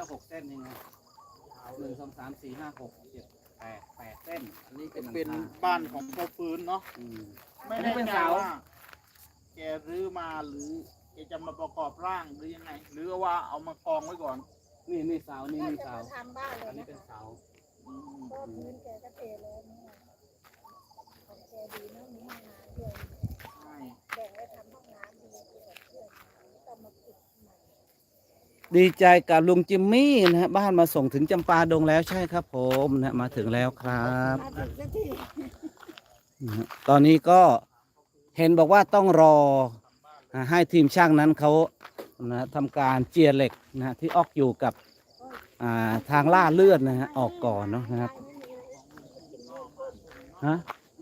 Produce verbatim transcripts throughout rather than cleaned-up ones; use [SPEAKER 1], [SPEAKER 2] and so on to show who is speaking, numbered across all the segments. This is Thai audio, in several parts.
[SPEAKER 1] หกเส้นยังไงหนึ่งสองสามสี่ห้าหกเจ็ดแปดแปดเส้นอันนี้เป็น
[SPEAKER 2] เป็นบ้านของพ่อฟื้นเนาะ
[SPEAKER 1] อืม
[SPEAKER 2] ไม่แน่ใจว่าแกรื้อมาหรือแกจะมาประกอบร่างหรือยังไง หรือว่าเอามากองไว้ก่อน
[SPEAKER 1] นี่นี่เสานี่นี่เสา
[SPEAKER 3] ทำบ้านเล
[SPEAKER 1] อั
[SPEAKER 3] ย
[SPEAKER 1] นนี้
[SPEAKER 3] นะ
[SPEAKER 1] เป็นเสา
[SPEAKER 2] อืม
[SPEAKER 3] ก็พื้นแกก็เทเลยนี่ของแกดีนะมีห้องน้ำด้วย
[SPEAKER 2] ใช่
[SPEAKER 3] แบ่งไว้ทำห้องน้ำดีกว่าเพื่อนต้องมาปิดใหม่
[SPEAKER 1] ดีใจกับลุงจิมมี่นะฮะบ้านมาส่งถึงจำปาดงแล้วใช่ครับผมนะมาถึงแล้วครับ
[SPEAKER 3] มาถึงสักที
[SPEAKER 1] นะฮะตอนนี้ก็เห็นบอกว่าต้องรออ่าให้ทีมช่างนั้นเขานะทำการเจียเหล็กนะฮะที่ออกอยู่กับอ่าทางล่าเลือดนะฮะออกก่อนเนาะนะครับฮะ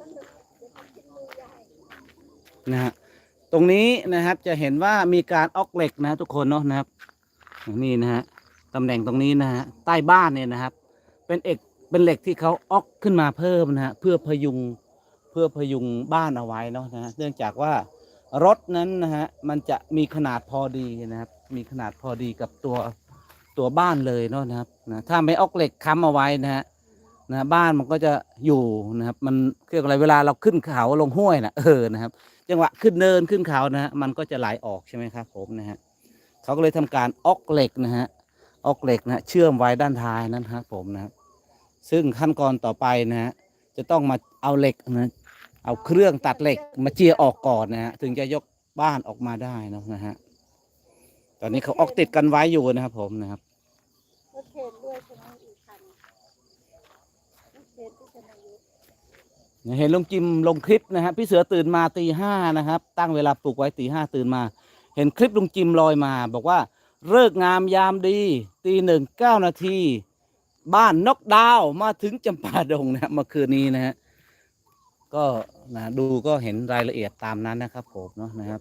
[SPEAKER 1] นะฮะตรงนี้นะครับจะเห็นว่ามีการออกเหล็กนะทุกคนเนาะนะครับนี่นะฮะตำแหน่งตรงนี้นะฮะใต้บ้านเนี่ยนะครับ เป็นเอกเป็นเหล็กที่เขาออกขึ้นมาเพิ่มนะฮะเพื่อพยุงเพื่อพยุงบ้านเอาไว้เนาะนะฮะเนื่องจากว่ารถนั้นนะฮะมันจะมีขนาดพอดีนะครับ มีขนาดพอดีกับตัวตัวบ้านเลยเนาะนะครับนะถ้าไม่ออกเหล็กค้ำเอาไว้นะฮะนะบ้านมันก็จะอยู่นะครับมันเรียกอะไรเวลาเราขึ้นเขาลงห้วยนะเออนะครับ จังหวะขึ้นเนินขึ้นเขานะฮะมันก็จะไหลออกใช่ไหมครับผมนะฮะเขาก็เลยทำการออกเหล็กนะฮะออกเหล็กนะฮะเชื่อมไว้ด้านท้ายนั้นครับผมนะครับซึ่งขั้นตอนต่อไปนะฮะจะต้องมาเอาเหล็กนะเอาเครื่องตัดเหล็กมาเจียออกก่อนนะฮะถึงจะยกบ้านออกมาได้นะนะฮะตอนนี้เขาออกติดกันไว้อยู่นะครับผมนะครับ
[SPEAKER 3] รถเข็นด้วยใช่ไหมอีกคันรถเข็นที่จะมายุ
[SPEAKER 1] เห็นลุงจิมลงคลิปนะฮะพี่เสือตื่นมาตีห้านะครับตั้งเวลาปลุกไว้ตีห้าตื่นมา เห็นคลิปลุงจิมลอยมา บอกว่าเลิกงามยามดีตีหนึ่งเก้านาทีบ้านนกดาวมาถึงจำปาดงนะเมื่อคืนนี้นะฮะก็นะดูก็เห็นรายละเอียดตามนั้นนะครับผมเนาะนะครับ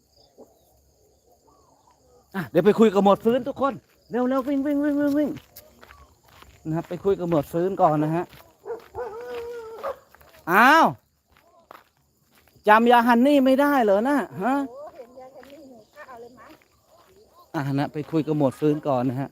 [SPEAKER 1] อ่ะเดี๋ยวไปคุยกับหมวดฟื้นทุกคนเร็วเร็ววิ่งวิ่งวิ่งวิ่งวิ่งนะครับไปคุยกับหมวดฟื้นก่อนนะฮะอ้าวจำยาฮันนี่ไม่ได้เหรอนะฮะ
[SPEAKER 3] โอ้เห็นยายคนนี้หนูข้าวเลยมั้ง
[SPEAKER 1] อ่านะไปคุยกับหมวดฟื้นก่อนนะฮะ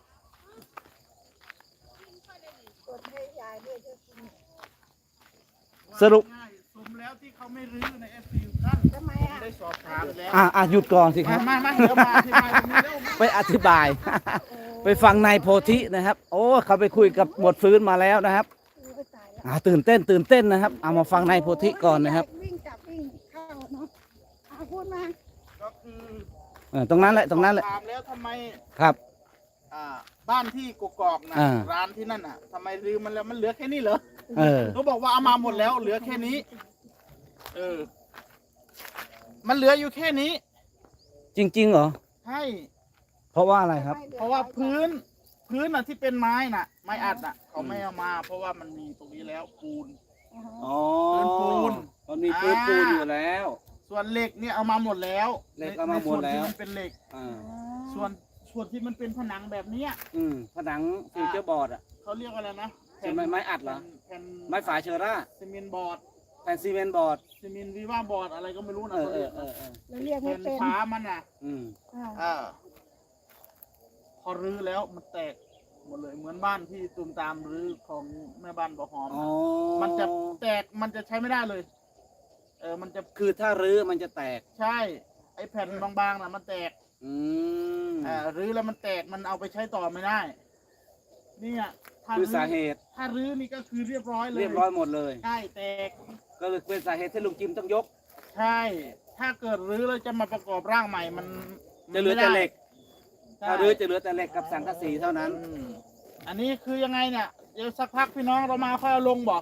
[SPEAKER 3] กดให้ยายด้วยจะกิน
[SPEAKER 1] สรุป
[SPEAKER 2] ง่ายๆสมแล้วที่เขาไม่รื้อในเอฟซีท่าน
[SPEAKER 3] ทำไม
[SPEAKER 2] ผม
[SPEAKER 3] อ่ะ
[SPEAKER 2] ได้สอบถามแล้ว
[SPEAKER 1] อ่าอ่าหยุดก่อนสิค
[SPEAKER 2] มา
[SPEAKER 1] รับ
[SPEAKER 2] มามาเดี๋ยวมาอธิบายตรงนี้เร็วมา
[SPEAKER 1] ไปอธิบาย ไปฟังนายโพธินะครับ โอ้เขาไปคุยกับหมวดฟื้นมาแล้วนะครับ
[SPEAKER 3] อู้ไปตายแล้ว
[SPEAKER 1] อ่าตื่นเต้นตื่นเต้นนะครับเอามาฟังนายโพธิก่อนนะครับ
[SPEAKER 3] วิ่งจับวิ่งเข้าเนาะเอาพูดมา
[SPEAKER 2] ก็คือ
[SPEAKER 1] เออตรงนั้นแหละตรงนั้นแหละ
[SPEAKER 2] ถามแล้วทำไม
[SPEAKER 1] ครับ
[SPEAKER 2] อ่าบ้านที่กกอกนะ
[SPEAKER 1] อ่า
[SPEAKER 2] ร้านที่นั่นอ่ะทำไมรื้อมันแล้วมันเหลือแค่นี้เหรอ
[SPEAKER 1] เออ
[SPEAKER 2] เขาบอกว่าเอามาหมดแล้วเหลือแค่นี้ เออ มันเหลืออยู่แค่นี้
[SPEAKER 1] จริงๆเหรอ
[SPEAKER 2] ใช่
[SPEAKER 1] เพราะว่าอะไรครับ
[SPEAKER 2] เพราะว่าพื้น พื้นอ่ะที่เป็นไม้น่ะ ไม้อัดน่ะ เขาไม่เอามา เพราะว่ามันมีตรงนี้แล้วปูน
[SPEAKER 1] อ๋อ
[SPEAKER 2] พื้นปูน
[SPEAKER 1] มันมีพื้นปูนอยู่แล้ว
[SPEAKER 2] ส่วนเหล็กเนี่ยเอามาหมดแล้ว
[SPEAKER 1] เหล็กเอามาหมดแล้ว
[SPEAKER 2] ในส่วนที่มันเป็นเหล็ก
[SPEAKER 1] อ่า
[SPEAKER 2] ส่วนส่วนที่มันเป็นผนังแบบเนี้ย
[SPEAKER 1] อืมผนังฟิวเจอร์บอร์ดอ่ะ
[SPEAKER 2] เขาเรียกอะไรนะ
[SPEAKER 1] ใช่ไหมไม้อัดเหรอ
[SPEAKER 2] แผ่น
[SPEAKER 1] ไม้ฝาเชอร่า
[SPEAKER 2] ซีเมนต์บอร์ด
[SPEAKER 1] แผ่นซีเมนต์บอร์ด
[SPEAKER 2] ซีเมนต์วีว่าบอร์ดอะไรก็ไม่รู้นะ
[SPEAKER 1] เออ
[SPEAKER 2] เขา
[SPEAKER 1] เอ
[SPEAKER 2] เรีย
[SPEAKER 1] อก เออเออ
[SPEAKER 3] เราเรียกไม่
[SPEAKER 2] แผ่น
[SPEAKER 3] เป็น
[SPEAKER 2] ฟ้ามันน่ะ
[SPEAKER 1] อืม
[SPEAKER 3] อ่า
[SPEAKER 2] อ่าพอรื้อแล้วมันแตกหมดเลยเหมือนบ้านที่ตูมตามรื้อของแม่บ้านบ่อหอม
[SPEAKER 1] อ๋อ
[SPEAKER 2] มันจะแตกมันจะใช้ไม่ได้เลย เออมันจะ
[SPEAKER 1] คือถ้ารื้อมันจะแตก
[SPEAKER 2] ใช่ ไอ้แผ่นบางๆน่ะมันแตก
[SPEAKER 1] อืม
[SPEAKER 2] อ่ารื้อแล้วมันแตกมันเอาไปใช้ต่อไม่ได้เนี่ยถ้า
[SPEAKER 1] คือ
[SPEAKER 2] รื้อ
[SPEAKER 1] สาเหตุ
[SPEAKER 2] ถ้ารื้อนี่ก็คือเรียบร้อยเลย
[SPEAKER 1] เรียบร้อยหมดเลย
[SPEAKER 2] ใช่แตก
[SPEAKER 1] ก็เลยเป็นสาเหตุที่ลุงจิมต้องยก
[SPEAKER 2] ใช่ ถ้าเกิดรื้อแล้วจะมาประกอบร่างใหม่มัน
[SPEAKER 1] จะเหลือแต่เหล็ก
[SPEAKER 2] ใช่
[SPEAKER 1] ถ้ารื้อจะเหลือแต่เหล็กกับสังกะสีเท่านั้น
[SPEAKER 2] อืมอันนี้คือยังไงเนี่ยเดี๋ยวสักพักพี่น้องเรามาค่อยเอาลงบอก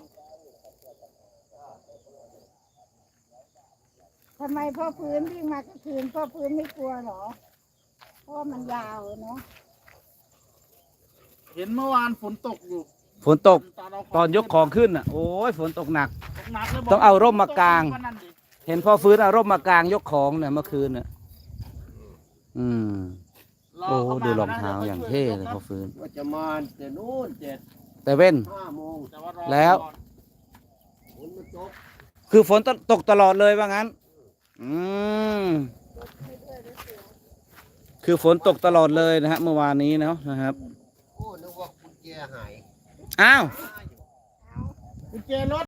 [SPEAKER 3] ทำไมพ่อพื้นวิ่งมากลางคืนพ่อพื้นไม่กลัวเหรอ เพราะว่ามันยาวเนาะ
[SPEAKER 2] เห็นเมื่อวานฝนตกอยู่
[SPEAKER 1] ฝนตก
[SPEAKER 2] ตอนเรา
[SPEAKER 1] ตอนยกของขึ้นอ่ะ โอ้ยฝนตกหนัก
[SPEAKER 2] ตกหนักเลยบก
[SPEAKER 1] ต้องเอาร่มมากาง
[SPEAKER 2] วันนั้นดิ
[SPEAKER 1] เห็นพ่อฟื้นเอาร่มมากางยกของเนี่ยเมื่อคืนน่ะอืม
[SPEAKER 2] ร
[SPEAKER 1] โอ้
[SPEAKER 2] เข้ม
[SPEAKER 1] ดูรองเท้า
[SPEAKER 2] นะ
[SPEAKER 1] อย่าง
[SPEAKER 2] ดี๋ว
[SPEAKER 1] เท่
[SPEAKER 2] ไป
[SPEAKER 1] เลย
[SPEAKER 2] ช่ว
[SPEAKER 1] พ่อฟื้น
[SPEAKER 4] ว่าจะมาแต่นู้นเจ็ด
[SPEAKER 1] แต่เว้น
[SPEAKER 4] ห้าโมง
[SPEAKER 2] แต่ารอ
[SPEAKER 1] แล้ว
[SPEAKER 2] ก่อน
[SPEAKER 4] ฝนมันตก
[SPEAKER 1] คือฝนตกตลอดเลยว่างั้น อืมคือฝนตกตลอดเลยนะฮะเมื่อวานนี้เนาะนะครับ
[SPEAKER 4] โอ้นึกว่ากุญแจหาย
[SPEAKER 1] อ้าว
[SPEAKER 2] กุญแจรถ